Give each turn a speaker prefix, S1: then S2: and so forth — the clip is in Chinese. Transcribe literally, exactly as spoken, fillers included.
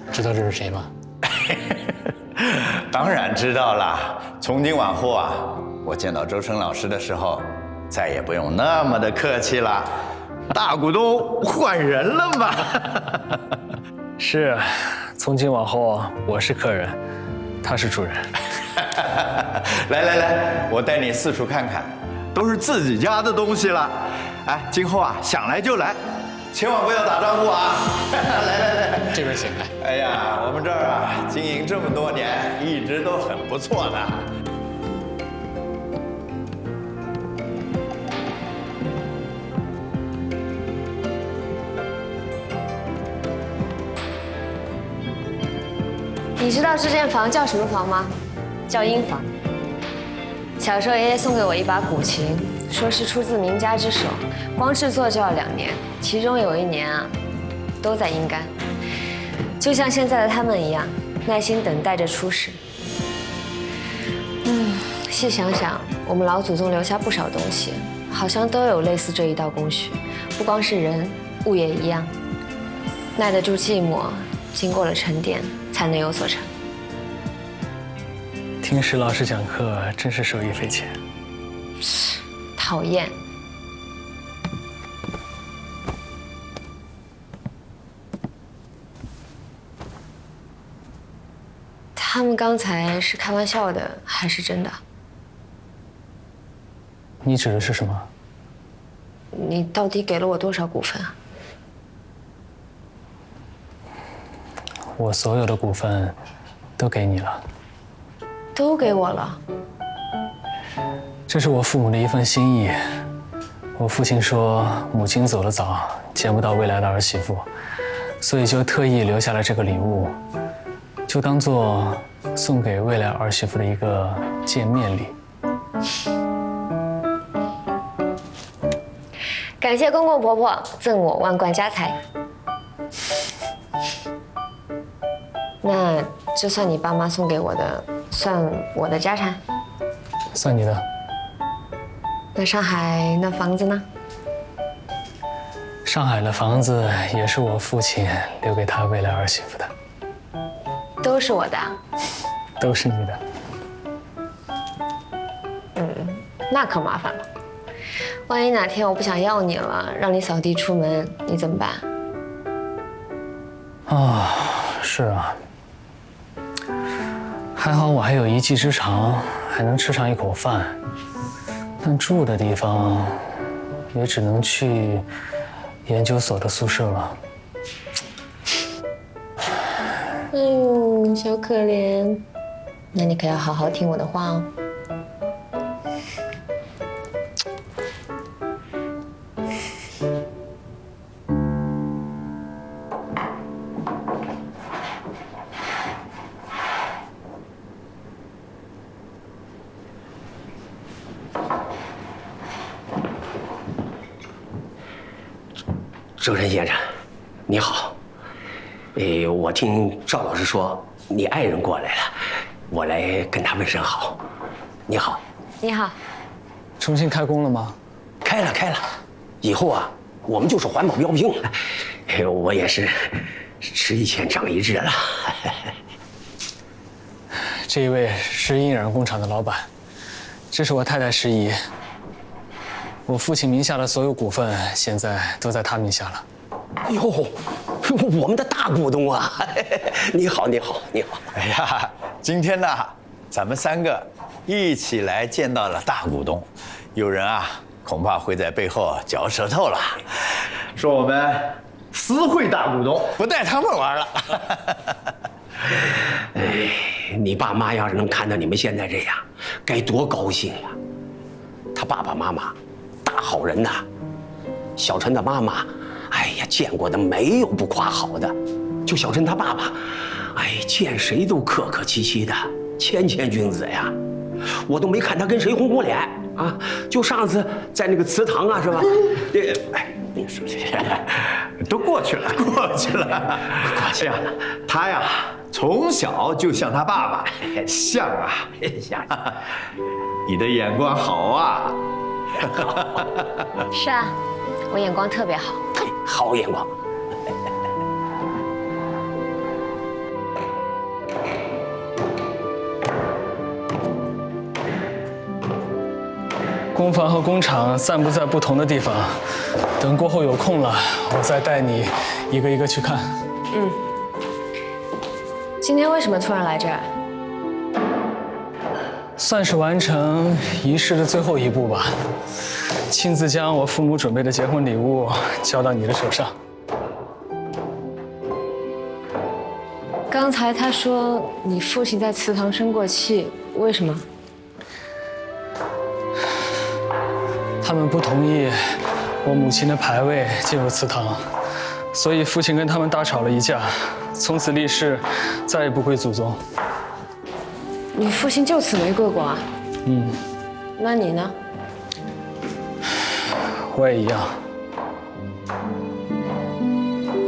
S1: 知道这是谁吗？
S2: 当然知道了。从今往后啊，我见到周深老师的时候，再也不用那么的客气了。大股东换人了嘛？
S3: 是，从今往后我是客人，他是主人。
S2: 来来来，我带你四处看看，都是自己家的东西了。哎，今后啊，想来就来，千万不要打招呼啊！来来来，
S1: 这边请来。
S2: 哎呀，我们这儿啊，经营这么多年，一直都很不错的。
S4: 你知道这间房叫什么房吗？叫婴房。小时候爷爷送给我一把古琴，说是出自名家之手，光制作就要两年，其中有一年啊，都在阴干。就像现在的他们一样，耐心等待着出世。嗯，细想想，我们老祖宗留下不少东西，好像都有类似这一道工序，不光是人，物也一样，耐得住寂寞，经过了沉淀，才能有所成。
S3: 听石老师讲课真是受益匪浅。
S4: 讨厌。他们刚才是开玩笑的，还是真的？
S3: 你指的是什么？
S4: 你到底给了我多少股份啊？
S3: 我所有的股份都给你了。
S4: 都给我了。
S3: 这是我父母的一份心意。我父亲说，母亲走得早，见不到未来的儿媳妇，所以就特意留下了这个礼物，就当做送给未来儿媳妇的一个见面礼。
S4: 感谢公公婆婆赠我万贯家财。那这算你爸妈送给我的，算我的家产？
S3: 算你的。
S4: 那上海那房子呢？
S3: 上海的房子也是我父亲留给他未来儿媳妇的。
S4: 都是我的啊。
S3: 都是你的。
S4: 嗯，那可麻烦了。万一哪天我不想要你了，让你扫地出门，你怎么办？
S3: 啊，是啊。还好我还有一技之长，还能吃上一口饭。但住的地方，也只能去研究所的宿舍了。
S4: 哎呦，小可怜，那你可要好好听我的话哦。
S5: 周深先生，你好。呃，我听赵老师说你爱人过来了，我来跟他问声好。你好。
S4: 你好。
S3: 重新开工了吗？
S5: 开了，开了。以后啊，我们就是环保标兵。哎，我也是吃一堑长一智了。
S3: 这一位是印染工厂的老板，这是我太太石姨。我父亲名下的所有股份现在都在他名下了。
S5: 哟，我们的大股东啊！你好，你好，你好。
S2: 哎呀，今天呢，咱们三个一起来见到了大股东，有人啊，恐怕会在背后嚼舌头了，说我们私会大股东，不带他们玩了。
S5: 哎，你爸妈要是能看到你们现在这样，该多高兴呀！他爸爸妈妈，大好人呐。小陈的妈妈，哎呀，见过的没有不夸好的。就小陈他爸爸，哎，见谁都客客气气的，谦谦君子呀。我都没看他跟谁红红脸啊。就上次在那个祠堂啊，是吧？这，哎，你说这
S2: 都过去了，过去了，过去了。他呀，从小就像他爸爸，像啊，
S5: 像。
S2: 你的眼光好啊。
S4: 是啊，我眼光特别好。
S5: 好眼光。
S3: 工房和工厂散布在不同的地方，等过后有空了，我再带你一个一个去看。
S4: 嗯。今天为什么突然来这儿？
S3: 算是完成仪式的最后一步吧，亲自将我父母准备的结婚礼物交到你的手上。
S4: 刚才他说你父亲在祠堂生过气，为什么？
S3: 他们不同意我母亲的牌位进入祠堂，所以父亲跟他们大吵了一架，从此立誓再也不归祖宗。
S4: 你父亲就此没归过啊？
S3: 嗯。
S4: 那你呢？
S3: 我也一样。